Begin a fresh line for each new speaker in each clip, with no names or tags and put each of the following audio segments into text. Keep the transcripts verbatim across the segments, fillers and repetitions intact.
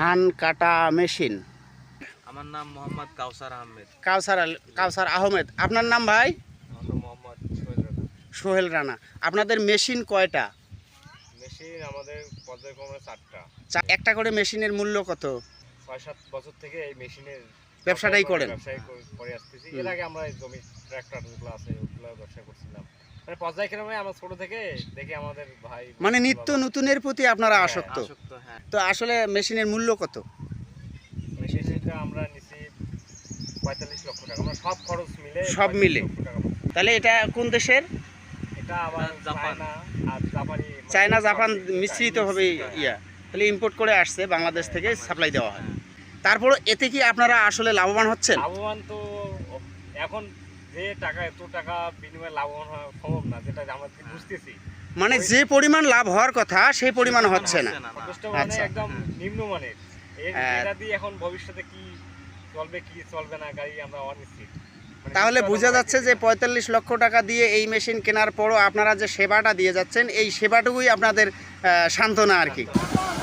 ধান কাটা মেশিন।
আমার নাম মোহাম্মদ কাউসার আহমেদ।
কাউসার আল- কাউসার আহমেদ। আপনার নাম ভাই?
আমার নাম মোহাম্মদ সোহেল রানা।
সোহেল রানা। আপনাদের মেশিন কয়টা?
মেশিন আমাদের পর্যায়ক্রমে চারটা।
চা- একটা করে মেশিনের মূল্য কত?
ছয় সাত বছর থেকে এই মেশিনের
ব্যবসাটাই করেন?
ব্যবসায় করে- করে আসতেছি।
হুম।
এর আগে আমরা এই জমি ট্রাক্টর যেগুলো আছে ওগুলো ব্যবসা করছিলাম। মানে পর্যায়ক্রমে আমরা ছোট থেকে দেখি আমাদের ভাই
মানে নিত্য নতুনের প্রতি আপনারা
হ্যাঁ,
আসক্ত।
আসক্ত, হ্যাঁ।
তো আসলে মেশিনের মূল্য কত?
মেশিনটা আমরা নিছি পঁয়তাল্লিশ লক্ষ টাকা। আমরা সব খরচ মিলে
সব মিলে?
পঁয়তাল্লিশ লক্ষ টাকা পড়ছে।
তাহলে এটা কোন দেশের?
এটা আবার
জাপান।
চায়না আর জাপানি মানে
চায়না
সব
জাপান
মিলিয়ে
মিশ্রিতভাবে
হ্যাঁ।
ইয়া, তাহলে ইম্পোর্ট করে আসছে, বাংলাদেশ থেকে সাপ্লাই দেওয়া হয়। তারপর এতে কি আপনারা আসলে লাভবান হচ্ছেন?
লাভবান তো এখন যে টাকা এত টাকা বিনিময়ে লাভবান হওয়া সম্ভব না, যেটা আমরা বুঝতেছি।
মানে যে পরিমাণ লাভ হওয়ার কথা সেই পরিমাণ হচ্ছে না।
যথেষ্ট মানে
আচ্ছা।
একদম নিম্নমানের। এর
হ্যাঁ।
এটা দিয়ে এখন ভবিষ্যতে কি চলবে কি চলবে না গাড়ি আমরা অনিশ্চিত। মানে
তাহলে
নিশ্চয়তা
বোঝা
আমরা
যাচ্ছে যে
দেখতেছি না।
পঁয়তাল্লিশ লক্ষ টাকা দিয়ে এই মেশিন কেনার পরও আপনারা যে সেবাটা দিয়ে যাচ্ছেন, এই সেবাটুকুই আপনাদের আহ, সান্ত্বনা আর কি।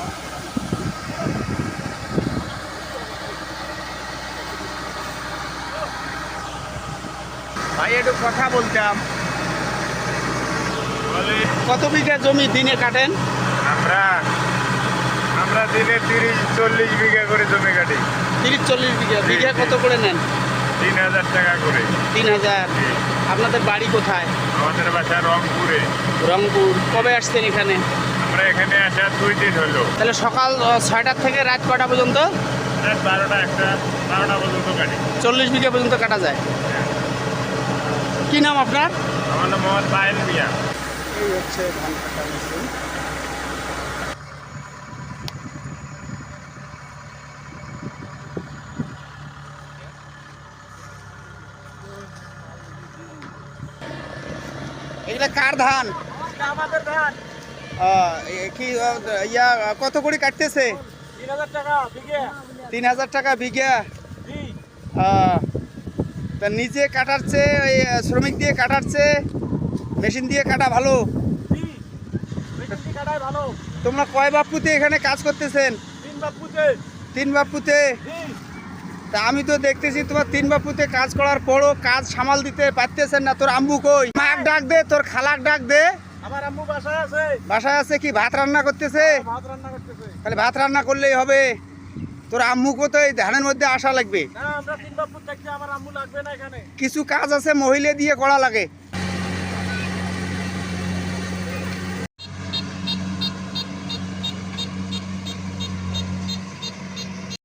ভাই একটু কথা বলতাম। কত বিঘা জমি দিনে কাটেন?
আমরা আমরা দিনে তিরিশ চল্লিশ বিঘা করে জমি কাটি।
তিরিশ চল্লিশ বিঘা। বিঘা কত করে নেন?
তিন হাজার টাকা করে।
তিন হাজার। আপনাদের বাড়ি কোথায়?
আমাদের বাসা রংপুরে।
রংপুর। কবে আসছেন এখানে?
আমরা এখানে আসা দুই দিন হলো।
তাহলে সকাল আহ, ছয়টার থেকে রাত কটা পর্যন্ত?
রাত বারোটা একটা বারোটা পর্যন্ত কাটি।
চল্লিশ বিঘা পর্যন্ত কাটা যায়। কি নাম আপনার?
আমার নাম মোহাম্মদ পায়েল মিয়া।
এই হচ্ছে ধান কাটা মেশিন। এগুলা কার ধান?
আমাদের ধান
আহ, এ কি আহ, ইয়া কত করে কাটতেছে?
তিন হাজার টাকা বিঘা।
তিন হাজার টাকা বিঘা।
জি
আহ, তা নিজে কাটার চেয়ে ওই আহ, শ্রমিক দিয়ে কাটার চেয়ে মেশিন দিয়ে কাটা ভালো।
জি মেশিন কাটাই ভালো।
তোমরা কয় বাপুতে এখানে কাজ করতেছেন?
তিন বাপুতে।
তিন বাপুতে।
জি
তা আমি তো দেখতেছি তোমার তিন বাপুতে কাজ করার পরও কাজ সামাল দিতে পারতেছেন না। তোর আম্মু কই? মাক ডাক দে, তোর খালাক ডাক দে।
আমার আম্মু বাসায় আছে,
বাসায় আছে কি ভাত রান্না করতেছে?
ভাত রান্না করতেছে।
তাহলে ভাত রান্না করলেই হবে। তোর আম্মুকে তো এই ধানের মধ্যে আসা লাগবে।
না আমরা তিন বাপুর থাকতে আমার আম্মু লাগবে না এখানে।
কিছু কাজ আছে মহিলা দিয়ে করা লাগে।